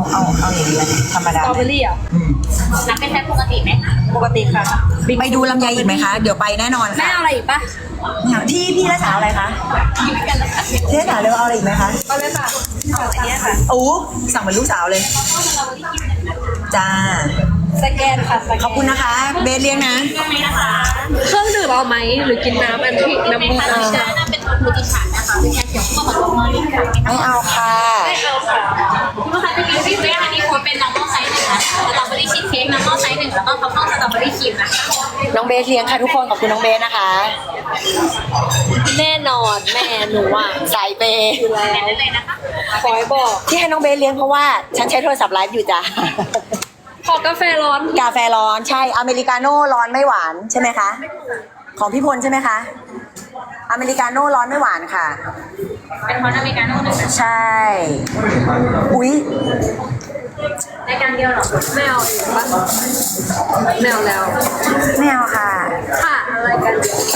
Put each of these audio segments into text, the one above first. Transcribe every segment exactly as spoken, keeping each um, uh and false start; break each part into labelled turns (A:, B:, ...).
A: เอาเอาอย่างนี้ธรรม
B: ส
A: ดา
B: ตรอเบอรี่อ่ะ
C: นับเป็นแค่ปกติไหมคะ
A: ปกติค่ะไปดูลำไยอีกไหมคะเดี๋ยวไปแน่นอน
B: แม่
A: ค่ะ
B: เอาอะไรอีกปะ
A: ที่พี่รักษาอะไรคะพี่รักษาเร็วเอาอะไรอีกไหมคะ
B: เอาเลยค่ะเอาอันนี้ค่ะ
A: โอ้สั่งเป็นลูกสาวเลยจ้า
B: สแกนค่ะสแกน
A: ขอบคุณนะคะเบสเลี้ยงนะ
B: เครื่องดื่มเอาไหมหรือกินน้ำอันที่น้ำมัน
C: อันนี้น่าเป็นมูติฉันนะคะเป็นแค่เขียวข้าวหอมมอลลี่ค่ะ
A: ไม่เอาค่ะ
B: ไม่เอาค่ะ
C: คุณลูกค้าจะกินที่ไหมอันนี้ควรเป็นน้ำมอลไซส์หนึ่งนะคะสตรอเบอรี่ชีสเค้กน้ำมอลไซส์หนึ่งแล้วก็ท็อปปิ้งสตรอเบอรี่ครีมนะคะ
A: น้องเบสเลี้ยงค่ะทุกคนขอบคุณน้องเบสนะคะ
B: แน่นอนแม่หนูอ่ะ
A: สายเปย์
B: อยู่แล้ว
C: ได้เลยนะคะ
B: ขอให้บอก
A: ที่ให้น้องเบสเลี้ยงเพราะว่าฉันใช้โทรศัพท์ไลฟ์อยู่จ้ะ
B: ขอกาแฟร้อน
A: กาแฟร้อนใช่อเมริกาโน่ร้อนไม่หวานใช่ไหมคะของพี่พลใช่ไหมคะอเมริกาโน่ร้อนไม่หวานค่ะ
C: เป็นฮอตอเมริกาโน่หนึ่งนะ
A: ใช่ อุ๊ย
C: ในการเดียวเหรอ
B: ไม่เอาอีกปะไม่เอาแล้ว
A: ไม่เอาค่ะ
B: ค่ะอะไรกัน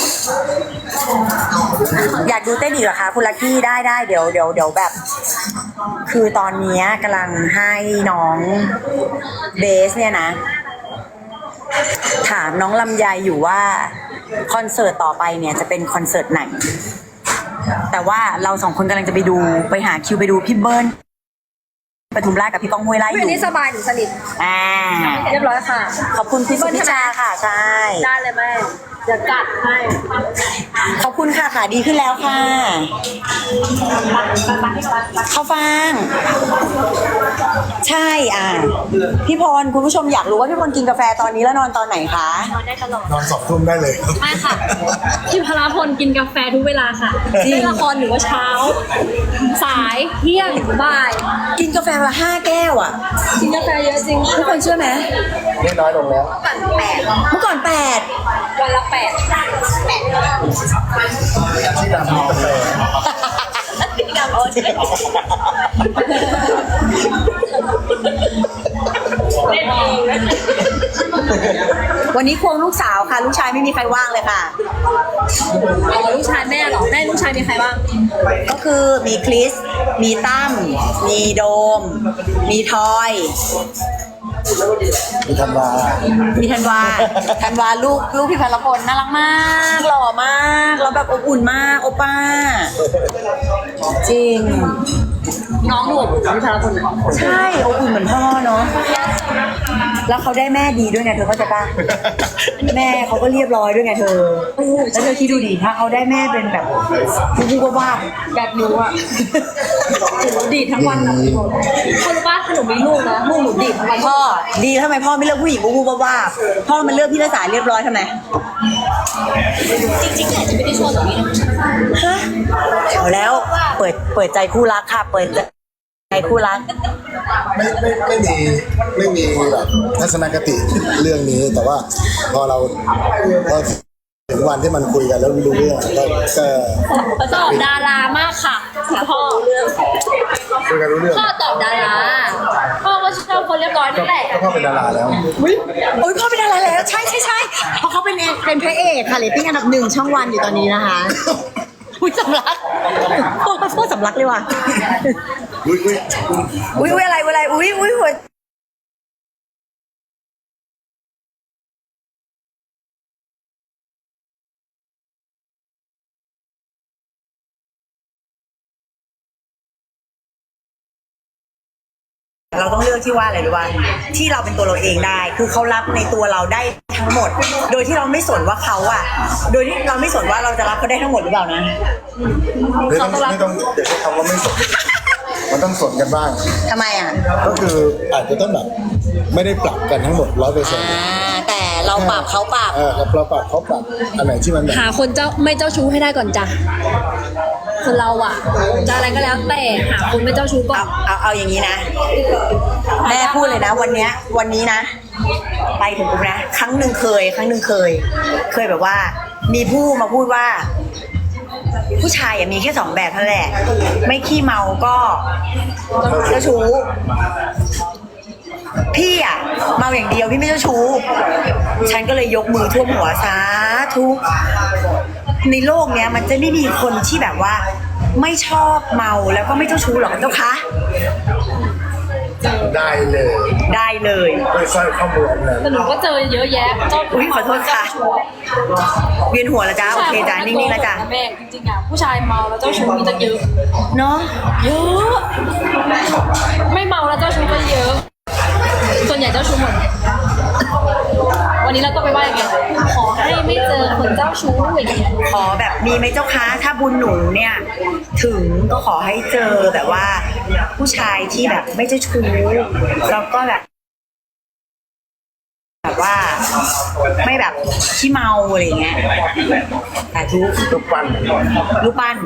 A: อยากดูเต้นอีกเหรอคะคุณลักกี้ได้ได้เดี๋ยวเดี๋ยวเดี๋ยวแบบ คือตอนเนี้ยกำลังให้น้องเบสเนี่ยนะ ถามน้องลำไยอยู่ว่าคอนเสิร์ตต่อไปเนี่ยจะเป็นคอนเสิร์ตไหน แต่ว่าเราสองคนกำลังจะไปดูไปหาคิวไปดูพี่เบิ้ลปทุมราชกับพี่ก้องห้วยไร่อ
B: ไม่
A: ยู่
B: นี่สบายหนูสนิท
A: อ่า
B: เรียบร้อยค่ะ
A: ขอบคุณพี่สุพิชาค่ะใช่
B: ได้เลยแม่เดี๋ยวกัดให้
A: ขอบคุณค่ะค่ะดีขึ้นแล้วค่ะข้าวฟ่าง ใช่อ่าพี่พรคุณผู้ชมอยากรู้ว่าพี่พรกินกาแฟตอนนี้แล้วนอนตอนไหนคะ
B: นอนได้ตลอด
D: นอนสองทุ่มได้เลยครับ
B: ไม่ค่ะพี่พลาพลกินกาแฟทุกเวลาค่ะ
A: จริง
B: เล่นละครหรือว่าเช้า สายเที่ยงบ่าย
A: กินกาแฟมาห้าแก้วอ่ะ
B: กินกาแฟเยอะจริง
A: ทุกคนเชื่อไหม
D: นี่น้อยลงแล้ว
B: ปั่นแปด
A: เมื่อก่อนแปด
B: วันละแปดแปด
D: ที่ดำมีกาแฟ
B: ดำโอ้ใช่เล่นเองนะ
A: วันนี้ควงลูกสาวค่ะ ลูกชายไม่มีใครว่างเลยค่ะ
B: อ๋อลูกชายแม่เหรอแม่ลูกชายมีใครบ้าง
A: ก็คือมีคริส มีตั้ม มีโดม มีทอย
D: มีธันวา
A: มีธันวา ธันวาลูกลูกพี่พลพลน่ารักมาก หล่อมากแล้วแบบอบอุ่นมากโอป้า จริง
B: น้องหนูอบอุ่นพี่พลาพลนะ
A: ใช่อบอุ่นเหมือนพ่อเนาะ แล้วเขาได้แม่ดีด้วยไงเธอเข้าใจปะแม่เขาก็เรียบร้อยด้วยไงเธอ แล้วเธอคิดดูดิถ้าเขาได้แม่เป็นแบบบูบูบ้า
B: แบบหนูอ่ะหนูดีดทั้งวันนะคนบ้านขนมมีลูกนะลูกหนูดีดทั้งวัน
A: พ่อดีทำไมพ่อไม่เลือกผู้หญิงบูบูบ้าๆพ่อมันเลือกพี่รักษาเรียบร้อยทำไม
C: จริงๆอาจจะไม่ได้ชอบแบบนี้นะ
A: ฮะเอาแล้วเปิดเปิดใจคู่รักค่ะ เปิดใจคู่รัก
D: ไม่ไม่ไม่มีไม่มีแบบทัศนคติเรื่องนี้ แต่ว่าพอเราพอถึงวันที่มันคุยกันแล้วรู้เรื่องก็ก็
B: เขาตอบดารามากค่ะพ่อ
D: คุยกันรู้เรื่อง
B: พ่อตอบดาราพ่อก็ชอบคนเรียบร้อยนั่นแหละ
D: ก็พ่อเป็นดาราแล้ว
A: อุ้ยโอ้ยพ่อเป็นอะไรแล้ว ใช่ใช่ใช่เพราะเขาเป็นเป็นพระเอกค่ะเรตติ้งอันดับหนึ่งช่องวันอยู่ตอนนี้นะคะ อุ้ยสำลักพ่อพ่อสำลักเลยว่ะ
D: อุ้ยอุ้ย
A: อุ้ยอุ้ยอะไรอะไรอุ้ยอุ้ยหัวเราต้องเลือกที่ว่าอะไรรู้ป่ะที่เราเป็นตัวเราเองได้ คือเขารับในตัวเราได้ทั้งหมด โดยที่เราไม่สนว่าเขาอะโดยที่เราไม่สนว่าเราจะรับเขาได้ทั้งหมดหรือเปล่านะ
D: ไม่ต้องไม่ต้องเดี๋ยวใช้คำว่าไม่สนมันต้องสนกันบ้าง
A: ทำไมอะ
D: ก็คืออาจจะต้องแบบไม่ได้ปรับกันทั้งหมดร้อยเปอร์เซ็นต์
A: อ่าแต่เราปรับเขาปรับ
D: เออเราปรับเขาปรับอันไหนที่มันแบบ
B: หาคนเจ้าไม่เจ้าชู้ให้ได้ก่อนจ้ะคนเราอ่ะจะอะไรก็แล้วแต่หาคนไม่เจ้าชู้ก่อ
A: เอา
B: น
A: เอาเอาอย่างนี้นะ แม่พูดเลยนะ วันเนี้ยวันนี้นะ ไปถึงปุ๊บนะครั้งหนึ่งเคย ครั้งหนึ่งเคย เคยแบบว่า มีผู้มาพูดว่า ผู้ชายอะมีแค่สองแบบเท่านั้นแหละ ไม่ขี้เมาก็เจ้าชู้ พี่อะเมาอย่างเดียวพี่ไม่เจ้าชู้ ฉันก็เลยยกมือท่วมหัวสาธุในโลกเนี้ยมันจะไม่มีคนที่แบบว่า ไม่ชอบเมาแล้วก็ไม่เจ้าชู้หรอกเจ้าคะ
D: ได้เลย
A: ได้เลย
D: ไม่สร้อยข้อมืออันนั้น
B: แต่หนูก็เจอเยอะแยะเจ้า
A: อุ๊ยขอโทษค่ะ
B: เจ้าชู้
A: เวียนหัวแล้วจ้าโอเคจ้านิ่งๆแล้วจ้า
B: แม่จริงๆอ่ะผู้ชายเมาแล้วเจ้าชู้มีตั้งเยอะ
A: เนาะ
B: เยอะ ไม่เมาแล้วเจ้าชู้ก็เยอะ ส่วนใหญ่เจ้าชู้หมด วันนี้เราต้องไปไหว้กันขอให้ไม่เจอคนเจ้าชู้อย่างเงี้ย
A: ขอแบบมีไหมเจ้าคะถ้าบุญหนูเนี่ย ถึงก็ขอให้เจอแบบว่า ผู้ชายที่แบบไม่เจ้าชู้แล้วก็แบบ แบบว่า ไม่แบบขี้เมาอะไรอย่างเงี้ยแต่ทุก
D: ลูกปั้น
A: ลูกปั้น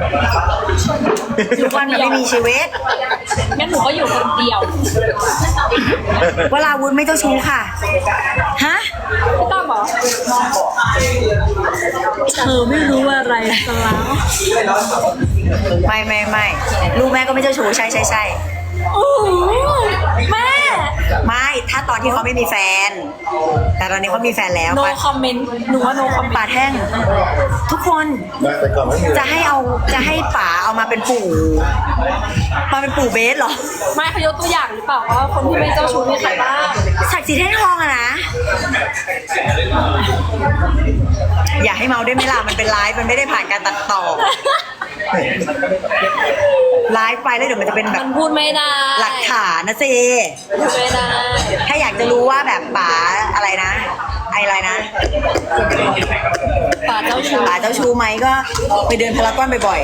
A: ลูกปั้นมันไม่มีชีวิต
B: งั้นหนูก็อยู่คนเดียว
A: เวลาวุ้นไม่เจ้าชู้ค่ะฮะ
B: พี่ตั้มบอกเธอไม่รู้อะไรซะแล้ว
A: ไม่ไม่ไม่ลูกแม่ก็ไม่เจ้าชู้ใช่ใช่ใช่
B: โอ้โหแม่
A: ไม่ถ้าตอนที่เขาไม่มีแฟน แต่ตอนนี้เขามีแฟนแล้ว
B: no
A: ปา
B: comment หนูว่า no comment
A: ป่าแท่ง ทุกคน
D: แต่ก่อนไม่มี
A: จะให้เอาจะให้ป๋าเอามาเป็นปู่มาเป็นปู่เบสเหรอ
B: ไม่เขายกตัวอย่างหรือเปล่าว่าคนที่ไม่เจ้าชู้มีใครบ้าง
A: ศักดิ์ศรีแท่งทองอะนะ อย่าให้เมาได้ไหมล่ะมันเป็นไลฟ์มันไม่ได้ผ่านการตัดต่อไลฟ์ไปแล้วเดี๋ยวมันจะเป็นแบ
B: มั
A: บ
B: นพูดไม่ได้
A: หลักฐานนะเซ
B: พูดไม่ได้
A: ถ้าอยากจะรู้ว่าแบบป๋าอะไรนะไออะไรนะ
B: ป่าเจ้าชู้
A: ป๋าเจ้าชู้ไหมก็ไปเดินพารากอนบ่อย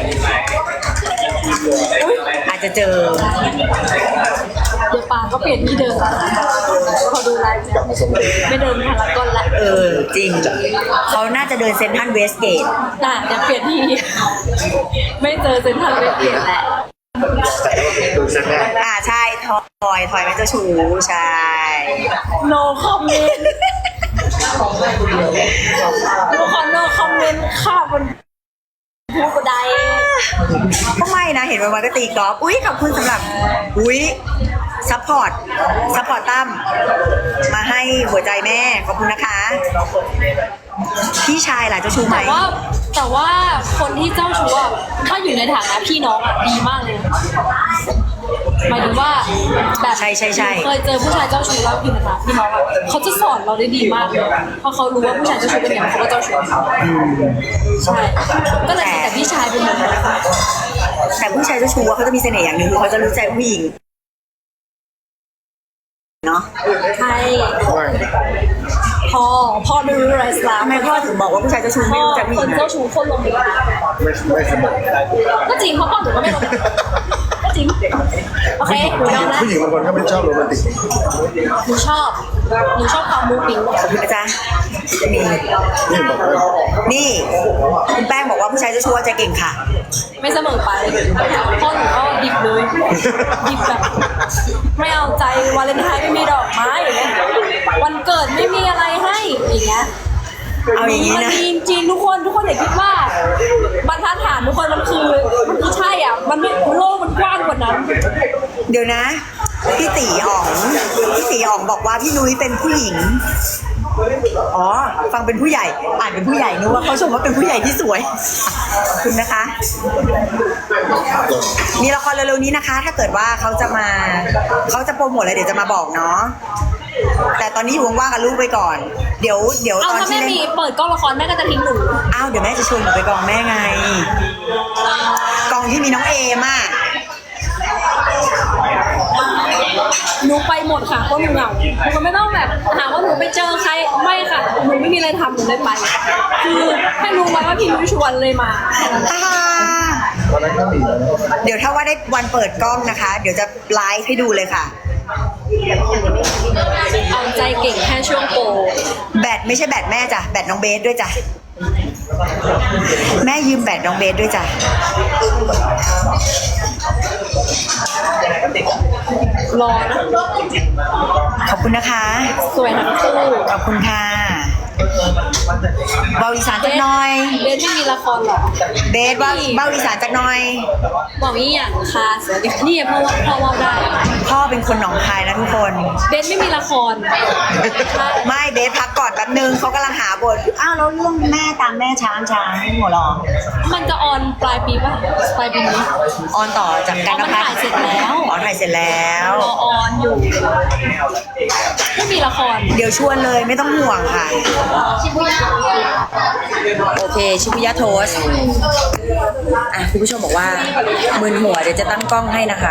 A: ๆอาจจะเจอ
B: เดี๋ยวป่าก็เปลี่ยนที่เดิมพอดูไลฟ์เนี่ยไม่เดินพารากอนละ
A: เออจริงเขาน่าจะเดินเซ็นทรัลเวสเกต
B: น่ะเดี๋ยวเปลี่ยนที่ ไม่เจอเซ็นทรัลเวสเกตแหละ
D: ดูเสร็จแล้ว
A: อ่าใช่ทอยทอยเป็นเจ้าชู้ใช่
B: โนคอมเมนต์ทุกคนโนคอมเมนต์ข้าวบนพูดกระได
A: ก็ไม่นะเห็นวันๆก็ตีกอล์ฟอุ้ยขอบคุณสำหรับอุ้ยซัพพอร์ตซัพพอร์ตตั้มมาให้หัวใจแม่ขอบคุณนะคะ พี่ชายล่ะเจ้าชู้ไหม
B: แต่ว่าแต่ว่าคนที่เจ้าชู้อะถ้าอยู่ในฐานะพี่น้องอะดีมากเลยหมายถึงว่าแบบ
A: ใช่ใช่ใช่
B: เคยเจอผู้ชายเจ้าชู้แล้วอยู่ในฐานะพี่น้องอะเขาจะสอนเราได้ดีมากเลยเพราะเขารู้ว่าผู้ชายเจ้าชู้เป็นอย่างไรเขาก็เจ้าชู้ใช่ก็เลยแต่พี่ชายเป็นแบบนั้น
A: แต่ผู้ชายเจ้าชู้อะเขาจะมีเสน่ห์อย่างหนึ่งคือเขาจะรู้ใจผู้หญิงเนาะ
B: ใช่
D: ไม่
B: พ่อพ่อไม่รู้อะไรสลาม
A: ทำไมพ่อถึงบอกว่าผู้ชายเจ้าชู้ไม่
B: พ่อ
A: รู้ใจผู้ห
B: ค
A: ญิ
B: น
A: ง
B: เจ้า
A: อะ
B: ชู้คนลงเด็ก
D: ไม่ไม่สมบูรณ์
B: ก็จริงเพราะพ่อหนูก็ไม่ลงก็จริงโอเคหนูยอมแล้ว
D: ผู้หญิงบางคนก็ไม่ชอบโรแมนติก
B: หนูชอบหนูชอบความมูปิ้ง
A: ขอบคุณนะจ๊ะนี่
D: นี่บอกว่า
A: นี่คุณแป้งบอกว่าผู้ชายเจ้าชู้ใจเก่งค่ะ
B: ไม่เสมอไปพ่อหนูก็ดิบเลยดิบแบบไม่เอาใจวาเลนไทน์ไม่มีดอกไม้อย่างเงี้ยวันเกิดไม่มีอะไรให้อย่างเงี้ย
A: เอาอย่างนี้
B: มัน
A: นะ
B: มีจริงทุกคนทุกคนอย่าคิดว่าบรรทัดฐานทุกคนมันคือมันไม่ใช่อ่ะมันไม่โลกมันกว้างกว่านั้น
A: เดี๋ยวนะ พี่ตีอ๋องพี่ตีอ๋องบอกว่าพี่นุ้ยเป็นผู้หญิงอ๋อฟังเป็นผู้ใหญ่อ่านเป็นผู้ใหญ่นึกว่าเขาชมว่าเป็นผู้ใหญ่ที่สวยขอบคุณนะคะ มีละครเร็วๆนี้นะคะ ถ้าเกิดว่าเขาจะมาเขาจะโปรโมทอะไรเดี๋ยวจะมาบอกเนาะแต่ตอนนี้อยู่ว่างๆกับลูกไปก่อน เดี๋ยวเดี๋ยว
B: เอา
A: ตอน
B: ถ้า
A: ที่
B: แม่
A: เล่น
B: มีเปิดกล้องละครแม่ก็จะทิ้งหนู
A: อ้าวเดี๋ยวแม่จะชวนหนูไปกองแม่ไง กองที่มีน้องเอมอ่ะ
B: หนูไปหมดค่ะเพราะหนูเหงาหนูก็ไม่ต้องแบบหาว่าหนูไปเจอใครไม่ค่ะหนูไม่มีอะไรทำหนูเลยไปคือให้รู้ไว้ว่าพี่นุ้ยชวนเลยมาแค่นั้นแหละ
A: อ่า
D: ตอนนั้นก็มีแล้วนะ
A: เดี๋ยวถ้าว่าได้วันเปิดกล้องนะคะ เดี๋ยวจะไลฟ์ให้ดูเลยค่ะ
B: เอาใจเก่งแค่ช่วงโปร
A: แบตไม่ใช่แบตแม่จ้ะแบตน้องเบสด้วยจ้ะแม่ยืมแบตน้องเบสด้วยจ้ะ
B: รอนะ
A: ขอบคุณนะคะ
B: สวยทั้งคู่
A: ขอบคุณค่ะเบาอีสานจักหน่อย
B: เบสไม่มีละครหรอ
A: เบสว่าเบาอีสานจักหน่อย
B: บอกนี่อย่างค่ะนี่เพราะว่าพ่อว่าได้
A: พ่อเป็นคนหนองคายนะทุกคน
B: เบสไม่มีละคร
A: ไม่เบสพักก่อนแป๊บนึงเขากำลังหาบทอ้าวแล้วเรื่องแม่ตามแม่ช้างช้างหัวหรอ
B: มันจะออนปลายปีป่ะปลายปีนี้
A: ออนต่อจากการ
B: อ๋อมันถ่ายเสร็จแล้ว
A: อ๋อถ่ายเสร็จแล้ว
B: รอออนอยู่ไม่มีละคร
A: เดี๋ยวชวนเลยไม่ต้องห่วงค่ะ
B: ชิบุย่า
A: โอเค ชิบุยะโทสอ่ะคุณผู้ชมบอกว่ามึนหัวเดี๋ยวจะตั้งกล้องให้นะคะ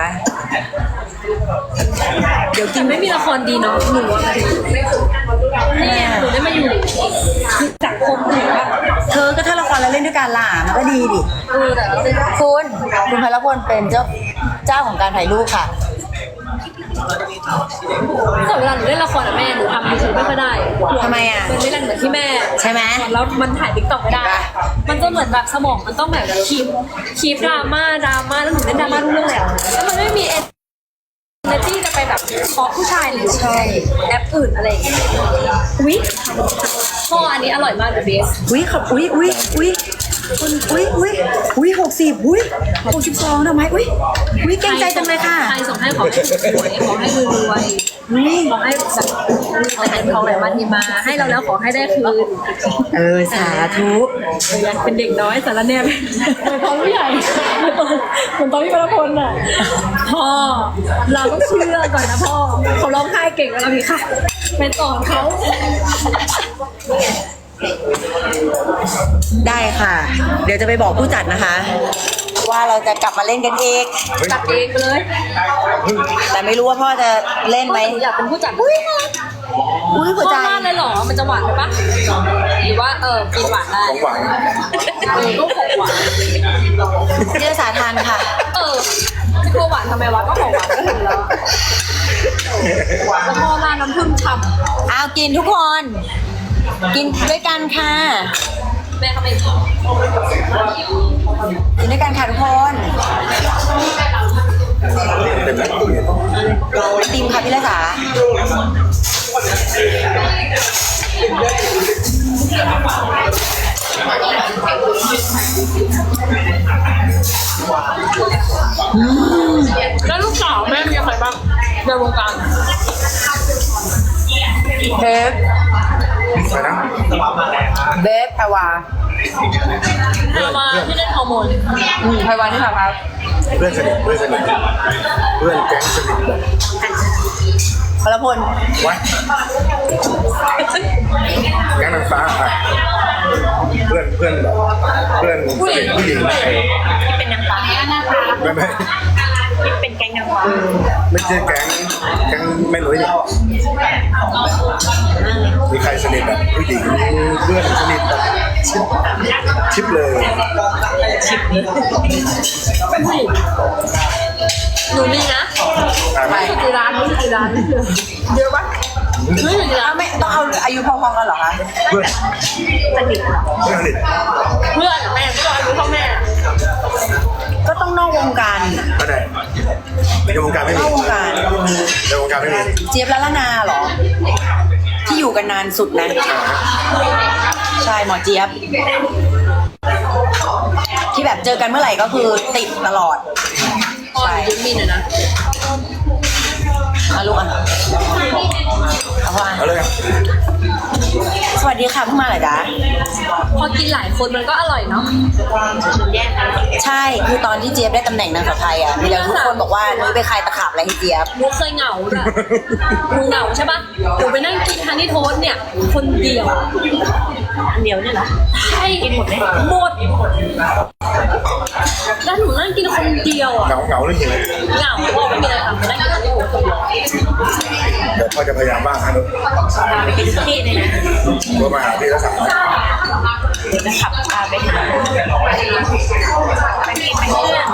A: เดี๋ยวกิน
B: ไม่มีละครดีเนาะหนูอะนี่หนูได้มาอยู่คือสังคมหนูอะ
A: เธอก็ถ้าละครแล้วเล่นด้วยกันล่ะมันก็ดีดิ
B: เออแต่เราเป็น
A: คุณคุณพลพลเป็นเจ้าเจ้าของการถ่ายรูปค่ะ
B: แต่เวลาหนูเล่นละครอะแม่หนูทำยูทูบไม่ค่อยได้
A: ทำไมอะ
B: มันไม่แรงเหมือนที่แม่
A: ใช่ไหม
B: แล้วมันถ่ายติ๊กต็อกไม่ได้ มันจะเหมือนแบบสมองมันต้องแบบคีบคีบดราม่าดราม่าแล้วหนูเล่นดราม่าทุกเรื่องเลยอะแล้วมันไม่มีเอเนอร์จี้จะไปแบบเคาะผู้ชายหรือ
A: ใช่
B: แอปอื่นอะไรอย่างเงี้ยอุ๊ยพ่ออันนี้อร่อยมากเลยเบส
A: อุ้ยขอบอุ้ยอุ้ยอุ้ยคุณอุ้ยอุ้ยอุ้ยหกสิบอุ้ยหกสิบสองทำไมอุ้ยอุ้ยเก่งใจจังเลยค่ะ
B: ใครส่งให้ขอให้สวยขอให้รวย
A: อุ้ย
B: ขอให้แบบแต่เงินทองไหลมาทีมา ให้เราแล้วขอให้ได้คืน
A: เออสาธุ
B: ยังเป็นเด็กน้อยสารแนบเหมือนตอนผู้ใหญ่เหมือนตอนเหมือนตอนพี่พลพลอ่ะพ่อเราต้องเชื่อก่อนนะพ่อเขาร้องไห้เก่งแล้วพี่ค่ะไปสอนเขา
A: ได้ค่ะ เดี๋ยวจะไปบอกผู้จัดนะคะ ว่าเราจะกลับมาเล่นกันอีก
B: จัดเองไปเลย
A: แต่ไม่รู้ว่าพ่อจะเล่นไหม
B: หนูอยากเป็นผู้จัดอุ้ย
A: อุ้ยหัวใจ
B: พ่อบ้านเลยเหรอมันจะหวานไหมปะหรือว่าเออกินหวานได้
D: ของหวาน
B: เออก็ของหวาน
A: เจ้าสาทานค่ะ
B: เออจะกลัวหวานทำไมวะก็ของหวานก็ถึงแล้วแล้วพ่อร้านน้ำผึ้งฉ่ำ
A: เอากินทุกคน กินด้วยกันค่ะ
B: แม่เขาไม่กิน
A: กินด้วยกันค่ะทุกคน
D: เป็นแบบ
A: ติมค่ะพี่ละสา
B: แล้วลูกสาวแม่มีใครบ้างในวงการ
A: เบฟ
D: ไปนะ
A: เบฟไพวา
B: เธอมาที่เล่นฮอร์โมน
A: อืมไพวาที่ทำครับ
D: เพื่อนสนิทเพื่อนสนิทเพื่อนแก๊งสนิทแบบ
A: พลพล
D: ไว้แก๊งนางฟ้าอ่ะเพื่อนเพื่อนแบบเพื่อนสนิทผู้หญิง
C: เป็นนางฟ้าหน้าตา
D: ไม่ไม่
C: เป็นแก๊งนางฟ้า
D: ไม่ใช่แก๊งแก๊งไม่รู้นี่มีใครสนิทแบบผู้หญิงเพื่อนสนิทแบบชิปชิปเลย
B: หนูมีนะ
D: ไป
B: อยู่ที่ร้านรู้ที่ร้านเยอะปะหนูอยู่ที่ร้าน
A: ไม่ต้องเอาอายุพอๆกันเหรอคะ
D: เพื่อนสนิทเพื่อนสนิท
B: เพื่อนแม่ก็อายุเท่าแม่
A: ก็ต้องนอกวงการ
D: ก็ได้ในวงการไม่
A: น
D: มี
A: อกวงการ
D: ในวงการไม่มี
A: เจี๊ยบละละนาเหรอ ที่อยู่กันนานสุดนะ ใช่หมอเจี๊ยบ ที่แบบเจอกันเมื่อไหร่ก็คือติดตลอด
B: พ่อหนูยืมมีหน่อยนะ
A: เอาลูกอ่ะเอาพ่ออ่ะ
D: เอาเลย
A: สวัสดีค่ะเพิ่งมาเหรอจ๊ะ
B: พอกินหลายคนมันก็อร่อยเนาะ
A: ใช่ คือตอนที่เจี๊ยบได้ตำแหน่งนางสาวไทยอ่ะ มีแล้วทุกคนบอกว่านุ้ยไปคลายตะขาบอะไรให้เจี๊ยบ
B: หนูเคยเหงาจ้ะหนูเหงาใช่ปะหนูไปนั่งกินฮันนี่โทสต์เนี่ย คนเดียว
C: อันเดียวเนี่ยเหรอ
B: ใช่กินหมดเลยหมดแล้วหนูนั่งกินคนเดียวอ่ะ
D: เหงาเหงาหรือหิว
B: เหงาพ่อไม่มีอะไรทำนั่งกินฮันนี่โทสต์คนเดียว
D: เดี๋ยวพ่อจะพยายามบ้างนะลูก
C: พาไปกินทุกที่เลยนะ
D: โทรมาหาพี่แล้วสั่ง
C: เดี๋ยวจะขับพาไปหาไปกินเป็นเพื่อน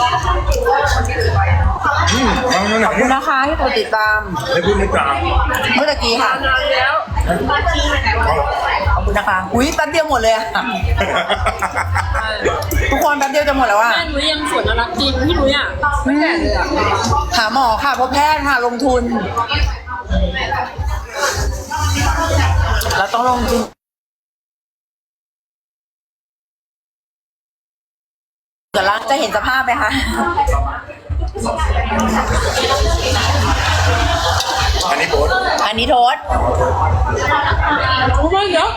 D: อืมเอาหน่อย
A: ขอบคุณนะคะที่กดติดตาม
D: ไม่พูดไม่จา
A: เมื่อตะกี้ค่ะ
B: นานแล้ว
D: เอาหรอ
A: ขอบคุณนะคะ อุ้ยแป๊บเดียวหมดเลยอะทุกคนแป๊บเดียวจะหมดแล้วอะ
B: แม่หนูยังสวนน่ารักจริงพี่หนูอ่ะไม่แก่เลยอ่ะ
A: หาหมอค่ะพบแพทย์ค่ะลงทุน เราต้องลงทุนเดี๋ยวเราจะเห็นสภาพไหมคะ
D: อันนี้โบ๊ท
A: อันนี้โทษ
B: รู้ไหมเดี๋ยว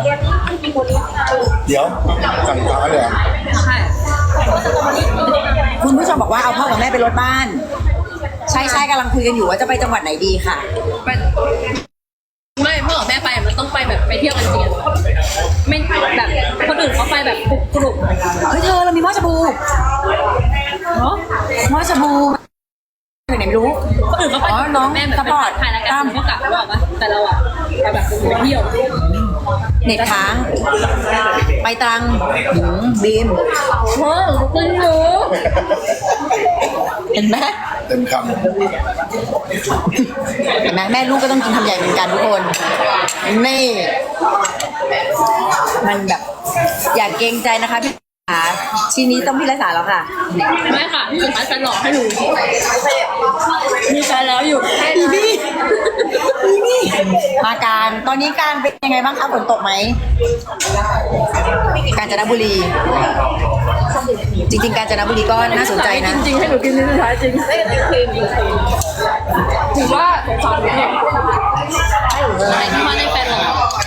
D: เดี๋ยวสั่งฟ้าเลยเหรอ
B: ใช่
A: คุณผู้ชมบอกว่าเอาพ่อกับแม่ไปรถบ้านใช่ใช่กำลังคุยกันอยู่ว่าจะไปจังหวัดไหนดีค่ะ
B: ไปไม่พ่อกับแม่ไปมันต้องไปแบบไปเที่ยวกันจริงอะไม่แบบคนอื่นเขาไปแบบกลุ่ม
A: เฮ้ยเธอเรามีหม้อชาบู
B: เนาะ
A: หม้อชาบูอยู่ไหนไม่รู้
B: คนอื่นเขาไป
A: อ๋อน้อง
B: แม่แบบ
A: สปอร์ต
B: ถ่ายรายกา
A: ตาร ม
B: ก็กลับว่าปะแต่เราอะไปแบบไปเที่ยว
A: เน็ตค้าง ไปตรังหืมบีม
B: เฮ้ยคุณหนู
A: เห็นไหม
D: เต็มค
A: เห็นไหมแม่ลูกก็ต้องกินคำใหญ่เหมือนกันทุกคนนี่ มันแบบ อย่าเกรงใจนะคะพี่ขาทีนี้ต้องพี่รักษาแล้วค่ะ
B: ไม่ค่ะพี่สุดท้ายจะหลอกให้หนูมีแฟนแล้วอยู่
A: อีนี่อีนี่มาการตอนนี้การเป็นยังไงบ้างคะฝนตกไหมกาญจนบุรี จริงๆกาญจนบุรีก็น่าสนใจนะ
B: จริงๆให้หนูกินในสุดท้ายจริงไม่ได้ครีมถือว่าสงสารหนูเนี่ยอะไรที่มาในแฟนเรา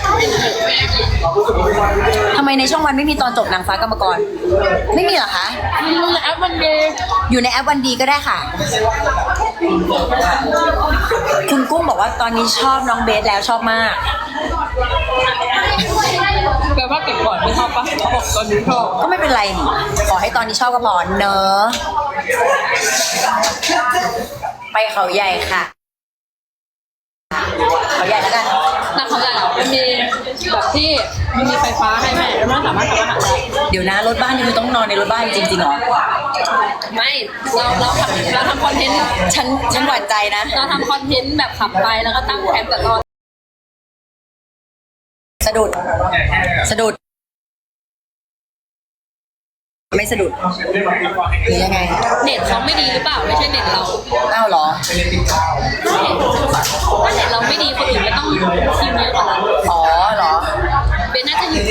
A: ทำไมในช่องวันไม่มีตอนจบนางฟ้ากรรมกร ไม่มีเหรอคะ
B: มันแอปมันเดย์
A: อยู่ในแอปวันดีก็ได้ค่ะ คุณกุ้งบอกว่าตอนนี้ชอบน้องเบสแล้วชอบมาก
B: แปลว่าเก็บก่อนไม่ชอบปะเขาบอกตอนนี้ชอบ
A: ก็ไม่เป็นไรนี่ขอให้ตอนนี้ชอบก็พอเนอะไปเขาใหญ่ค่ะ เขาใหญ่แล้วกัน
B: แต่เขาใหญ่อะมันมีแบบที่มันมีไฟฟ้าให้แม่แล้วมันสามารถทำอาหารได้
A: เดี๋ยวนะรถบ้านนี่คือต้องนอนในรถบ้านจริงๆเหรอ
B: ไม่เราเราทำเราทำคอนเทนต์
A: ฉันฉันหวั่นใจนะ
B: เราทำคอนเทนต์แบบขับไปแล้วก็ตั้งแคมป์กับนอน
A: สะดุด สะดุด ไม่สะดุดหรือยังไง
B: เน็ตเขาไม่ดีหรือเปล่าไม่ใช่เน็ตเรา
A: อ้าวเหรอ
B: ถ้าเน็ตเราไม่ดีคนอื่นไม่ต้องพิมพ์เยอะกว่าเรา
A: อ๋อเหรอ
B: เบนน่าจะอยู่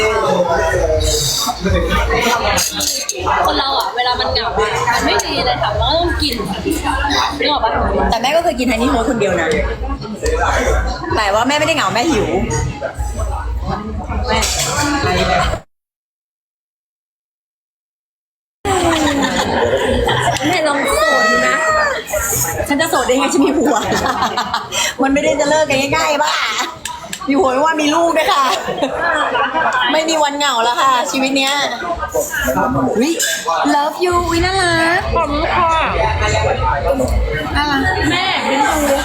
B: คนเราอ่ะเวลามันเหงาอ่ะมันไม่มีอะไรทำมันก็ต้องกินนึกออกปะ
A: แต่แม่ก็เคยกินฮันนี่โฮสคนเดียวนะ แต่ว่าแม่ไม่ได้เหงาแม่หิว
B: แม่แม่ลองโสดดูนะ
A: ฉันจะโสดได้ไงฉันมีผัว มันไม่ได้จะเลิกกันง่ายๆบ้ามีผัวไม่ว่ามีลูกด้วยค่ะ ไม่มีวันเหงาแล้วค่ะ ชีวิตเนี้ยวิ love you วิน่ารัก
B: ขอบคุณค่ะ
A: น่ารัก
B: แม่เป็น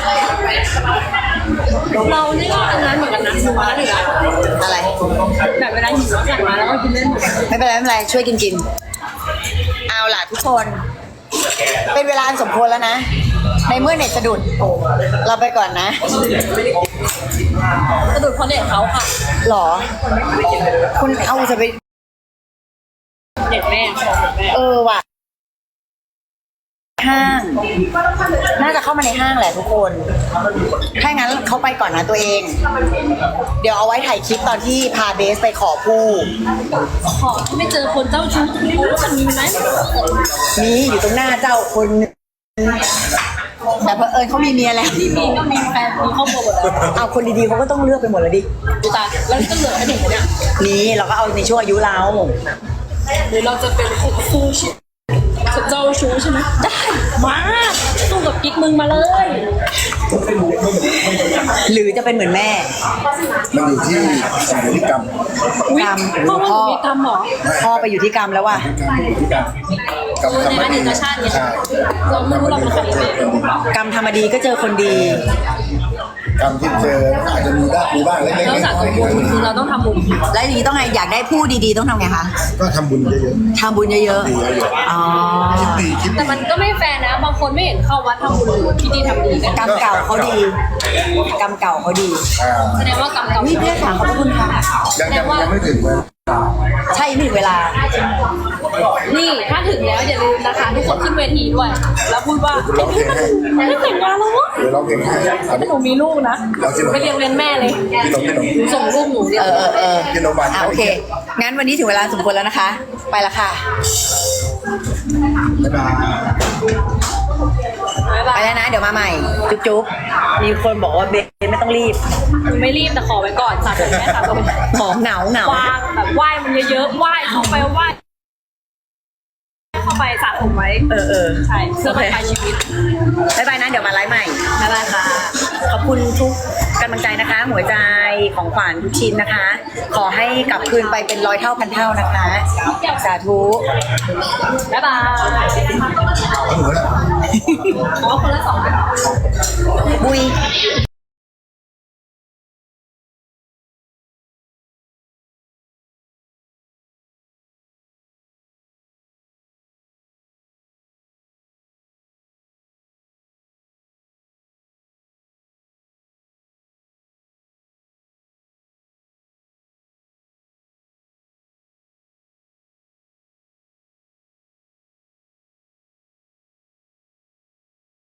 B: ดูเรานี่ก็อันนั้นเหมือนกันนะดูมาแล้วถึงอะ
A: อะไร
B: แบบเวลาหิวแล้วสั่งมาแล้วก็กินเล่นหมด
A: ไม่เป็นไรไม่เป็นไรช่วยกินกิน เอาล่ะทุกคน เป็นเวลาอันสมควรแล้วนะ ในเมื่อเน็ตสะดุด เราไปก่อนนะ
B: สะดุดเพราะเน็ตเขาค่ะ
A: หรอ คุณเอาจะไป
B: เน็ตแม่ของเน็ตแม่
A: เออว่ะ ห้าง น่าจะเข้ามาในห้างแหละทุกคน ถ้างั้นเขาไปก่อนนะตัวเอง เดี๋ยวเอาไว้ถ่ายคลิปตอนที่พาเบสไปขอผู้
B: ขอที่ไม่เจอคนเจ้าชู้จะรู้ว่ามันมีไหม
A: มีอยู่ตรงหน้าเจ้าคนนึงแต่เพอเอิญเขามีเมียแล้ว
B: ที่มีก็มีแฟนมีครอบครัวหมดเลย
A: เอาคนดีๆเขาก็ต้องเลือกไปหมดแล้วดิ
B: ดูตาแล้วก็เหลือแค่เด็กเนี่ย
A: นี่เราก็เอาในช่วงอายุเรา
B: หรือเราจะเป็นคนสู้ชีวิตเจ้าชู้ใช่ไหมได้มาสู้กับกิ๊กมึงมาเลย
A: หรือจะเป็นเหมือนแม่
D: ำมันอยู่ที่สายพฤติกรรม
A: กรรม
B: พ่อว่าหนูมีกรรมเหรอ
A: พ่อไปอยู่ที่กรรมแล้วว่ะ
D: กรรม
B: เออ
D: ทำ
B: ใน
D: มา
B: อดี
D: ดี
B: ตชาติเนี่ย
D: ใช่
B: เราไม่รู้เราเป็นใครเลย
A: กรรมทำมาดีก็เจอคนดี
D: กรรมที่เจออาจจะมีได้มีบ้างเล็กๆ
B: แล้ว
D: น้
B: สะส
D: อ
B: ม
D: ย
B: บุญคือเราต้องทำบุญ
A: แล้วอย่างนี้ต้องไงอยากได้ผู้ดีๆต้องทำไงคะ
D: ๆก็ทำบุญเยอะ
A: ทำบุญเยอะ
D: ๆดีเยอะ
A: ๆอ๋อ
D: ๆคิดดีคิด
B: แต่
D: ดี
B: มันก็ไม่แฟร์นะ บางคนไม่เห็นเข้าวัดทำบุญหรือที่ดีทำดีกัน
A: กรรมเก่าเขาดี กรรมเก่าเขาดี
D: อ่า
B: แสดงว่ากรรมเก่า
A: วิเพื่อนค่ะขอบพระคุณค่ะ
D: ยังยังยังไม่ถึงเลย
A: ใช่ไม่ถึงเวลา
B: นี่ถ้าถึงแล้วอย่าลืมนะคะทุกคนขึ้นเวทีด้วย แล้วพูดว่า
D: ร้องเพลงให้
B: ไม่ได้แต่งงานแล้ววะ
D: เดี๋ยวร้องเพลงให้อัน
B: ถ้า
D: นี้
B: หนูมีลูกนะไปเรียนเรียนแม่เลย
D: พี่หนมพี่หนม
B: หนูส่งลูกหนูเรียน
A: เออเออเออ
D: พี่หนมบาน
A: อ่ะโอเค งั้นวันนี้ถึงเวลาสมควรแล้วนะคะ ไปละค่ะ
D: บ๊ายบาย
B: บ๊าย
A: ไป
B: บาย
A: แล้วนะ เดี๋ยวมาใหม่ จุ๊บจุ๊บมีคนบอกว่าเบสไม่ต้องรีบ
B: ไม่รีบแต่ขอไว้ก่อนสาธุแม่สาธุ
A: หอมเหงาเหงา
B: วางแบบไหว้มันเยอะๆไหว้เข้าไปไหว้เข้าไปไปสระผมไว้
A: เออเออ
B: ใช่เพื่อ
A: โอ
B: ไป
A: เค
B: ปลายชีวิต
A: บ๊ายบายนะเดี๋ยวมาไลฟ์ใหม่
B: บ๊ายบายค่ะ
A: ขอบคุณทุกกำลังใจนะคะ หัวใจของขวัญทุกชิ้นนะคะ ขอให้กลับคืนไปเป็นร้อยเท่าพันเท่านะคะ สาธุ
B: บ๊ายบาย
D: เอาหนูนะ
B: อ๋อคนละสอง
A: บุย